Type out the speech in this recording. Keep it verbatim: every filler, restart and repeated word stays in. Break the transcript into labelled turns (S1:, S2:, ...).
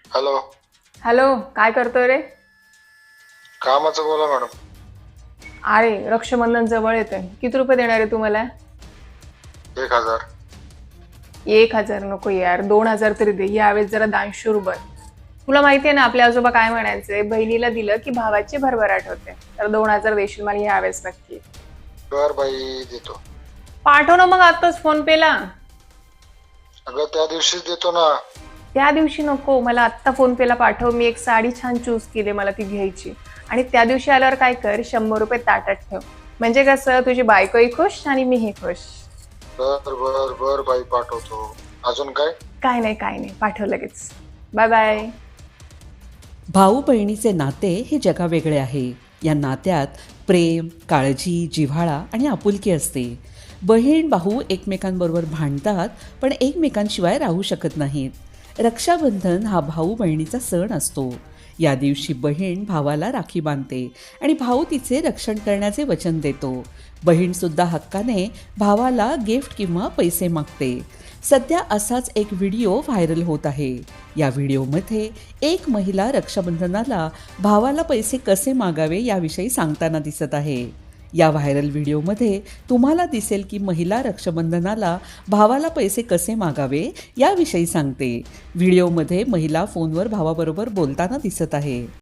S1: Hello.
S2: Hello, काय करतोय रे?
S1: कामाचं बोला मॅडम.
S2: अरे रक्षाबंधन जवळ येतंय, किती रुपये देणार आहे तू मला?
S1: एक हजार.
S2: एक हजार नको यार, दोन हजार तरी दे. यावेळेस जरा दानशूर बन. तुला माहितीये ना आपले आजोबा काय म्हणायचे, बहिणीला दिलं की भावाची भरभराट होते. तर दोन हजार देशील मला यावेळेस नक्की.
S1: बर बाई, देतो.
S2: पाठव ना मग आताच फोन पेला.
S1: अगं त्या दिवशीच देतो ना.
S2: त्या दिवशी नको, मला आत्ता फोन पेला पाठव. मी एक साडी छान चूज केली, मला ती घ्यायची. आणि त्या दिवशी आल्यावर काय कर, शंभर रुपये ताटात ठेव. म्हणजे कसं, तुझी बायकोही खुश आणि मीही खुश.
S1: बर बर बर बाई, पाठवतो. अजून काय?
S2: काय नाही काय नाही, पाठव लगेच. Bye bye.
S3: भाऊ बहिणीचे नाते हे जगावेगळे आहे. या नात्यात प्रेम, काळजी, जिव्हाळा आणि आपुलकी असते. बहीण भाऊ एकमेकांबरोबर भांडतात, पण एकमेकांशिवाय राहू शकत नाहीत. रक्षाबंधन हा भाऊ बहिणीचा सण असतो. या दिवशी बहीण भावाला राखी बांधते आणि भाऊ तिचे रक्षण करण्याचे वचन देतो. बहीणसुद्धा हक्काने भावाला गिफ्ट किंवा पैसे मागते. सध्या असाच एक व्हिडिओ व्हायरल होत आहे. या व्हिडिओमध्ये एक महिला रक्षाबंधनाला भावाला पैसे कसे मागावे याविषयी सांगताना दिसत आहे. या व्हायरल व्हिडिओमध्ये तुम्हाला दिसेल की महिला रक्षाबंधनाला भावाला पैसे कसे मागावे याविषयी सांगते. व्हिडिओमध्ये महिला फोनवर भावाबरोबर बोलताना दिसत आहे.